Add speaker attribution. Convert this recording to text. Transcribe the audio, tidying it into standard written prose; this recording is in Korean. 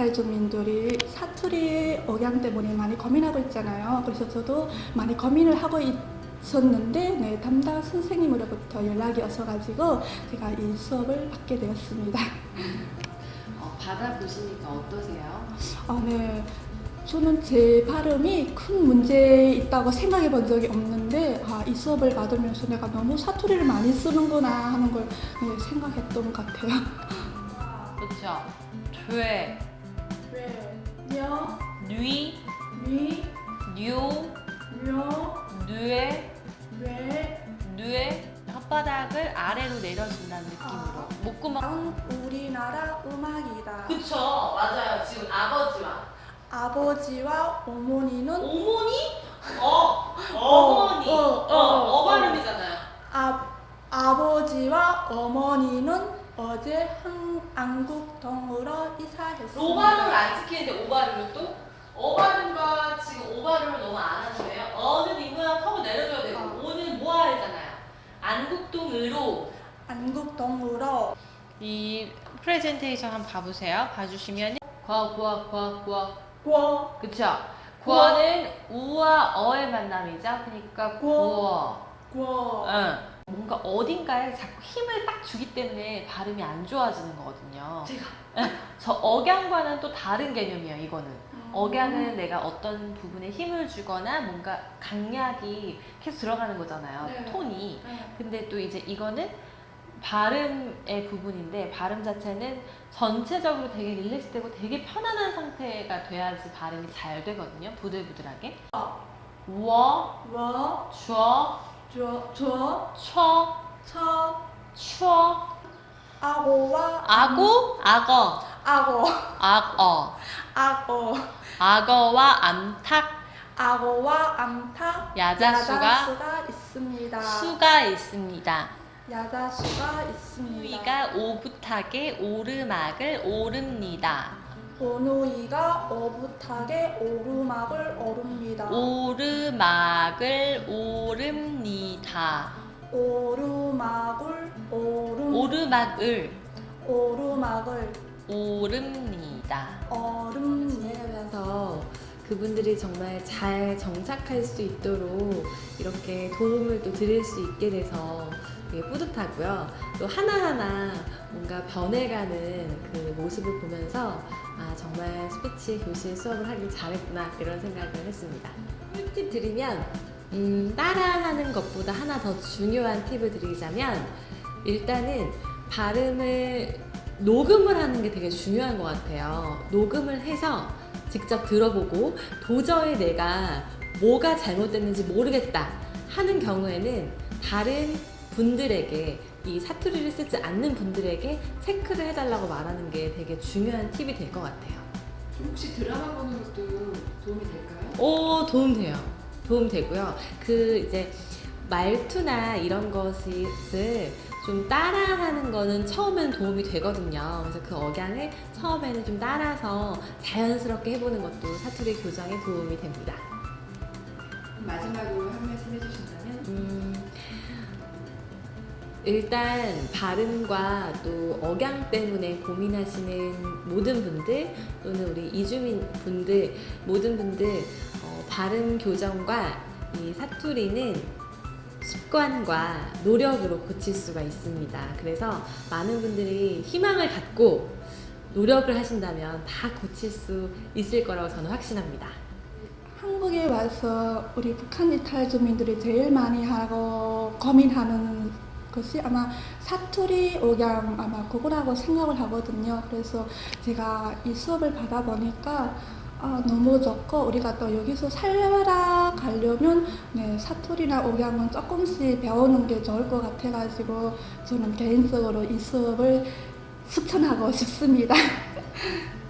Speaker 1: 탈주민들이 사투리 억양 때문에 많이 고민하고 있잖아요. 그래서 저도 많이 고민을 하고 있었는데 담당 선생님으로부터 연락이 왔어가지고 제가 이 수업을 받게 되었습니다.
Speaker 2: 받아보시니까 어떠세요?
Speaker 1: 네. 저는 제 발음이 큰 문제 있다고 생각해 본 적이 없는데 이 수업을 받으면서 내가 너무 사투리를 많이 쓰는구나 하는 걸 생각했던 것 같아요.
Speaker 2: 그렇죠. 죄,
Speaker 1: 며,
Speaker 2: 뉘,
Speaker 1: 미,
Speaker 2: 뉴,
Speaker 1: 며,
Speaker 2: 뉘에,
Speaker 1: 뇌,
Speaker 2: 뉘에 혓바닥을 아래로 내려준다는 느낌으로 목구멍.
Speaker 1: 우리나라 음악이다.
Speaker 2: 그쵸, 맞아요. 지금
Speaker 1: 아버지와 어머니는
Speaker 2: 어머니? 어머니. 발음이잖아요.
Speaker 1: 아버지와 어머니는 어제 안국동으로 이사했습니다.
Speaker 2: 로발음을 안 지키는데 오발음을 또? 어발음과 지금 오발음을 너무 안 하시네요. 어는 입모양 하고 내려줘야 되고 오는 모아야잖아요. 안국동으로.
Speaker 1: 안국동으로.
Speaker 2: 이 프레젠테이션 한번 봐보세요. 봐주시면
Speaker 1: 과,
Speaker 2: 그쵸? 구어는 우와 어의 만남이죠. 그러니까 구어. 응. 뭔가 어딘가에 자꾸 힘을 딱 주기 때문에 발음이 안 좋아지는 거거든요. 저 억양과는 또 다른 개념이에요. 이거는 억양은 내가 어떤 부분에 힘을 주거나 뭔가 강약이 계속 들어가는 거잖아요.
Speaker 1: 네.
Speaker 2: 톤이. 근데 또 이제 이거는 발음의 부분인데 발음 자체는 전체적으로 되게 릴렉스되고 되게 편안한 상태가 돼야지 발음이 잘 되거든요. 부들부들하게. 워, 쥐어, 쳐, 추어,
Speaker 1: 악어와
Speaker 2: 악어, 악어와
Speaker 1: 암탉
Speaker 2: 야자수가
Speaker 1: 있습니다.
Speaker 2: 수가 있습니다.
Speaker 1: 야자수가 있습니다.
Speaker 2: 누이가 오붓하게 오르막을 오릅니다.
Speaker 1: 오누이가 오붓하게 오르막을 오릅니다.
Speaker 2: 오르막을 오릅니다.
Speaker 1: 오르막을
Speaker 2: 오릅니다.
Speaker 3: 지내면서 그분들이 정말 잘 정착할 수 있도록 이렇게 도움을 또 드릴 수 있게 돼서 되게 뿌듯하고요. 또 하나하나 뭔가 변해가는 그 모습을 보면서 정말 스피치 교실 수업을 하길 잘했구나 이런 생각을 했습니다. 꿀팁 드리면 따라하는 것보다 하나 더 중요한 팁을 드리자면 일단은 발음을 녹음을 하는 게 되게 중요한 것 같아요. 녹음을 해서 직접 들어보고 도저히 내가 뭐가 잘못됐는지 모르겠다 하는 경우에는 다른 분들에게 이 사투리를 쓰지 않는 분들에게 체크를 해달라고 말하는 게 되게 중요한 팁이 될 것 같아요.
Speaker 4: 혹시 드라마 보는 것도 도움이 될까요?
Speaker 3: 도움 돼요. 도움 되고요. 그 이제 말투나 이런 것을 좀 따라하는 거는 처음에는 도움이 되거든요. 그래서 그 억양을 처음에는 좀 따라서 자연스럽게 해보는 것도 사투리 교정에 도움이 됩니다.
Speaker 4: 마지막으로 한 말씀 해주신다면?
Speaker 3: 일단 발음과 또 억양 때문에 고민하시는 모든 분들 또는 우리 이주민 분들 모든 분들 발음 교정과 이 사투리는 습관과 노력으로 고칠 수가 있습니다. 그래서 많은 분들이 희망을 갖고 노력을 하신다면 다 고칠 수 있을 거라고 저는 확신합니다.
Speaker 1: 한국에 와서 우리 북한 이탈 주민들이 제일 많이 하고 고민하는 것이 아마 사투리 억양 아마 그거라고 생각을 하거든요. 그래서 제가 이 수업을 받아보니까 너무 좋고 우리가 또 여기서 살아가려면 사투리나 억양은 조금씩 배우는 게 좋을 것 같아가지고 저는 개인적으로 이 수업을 추천하고 싶습니다.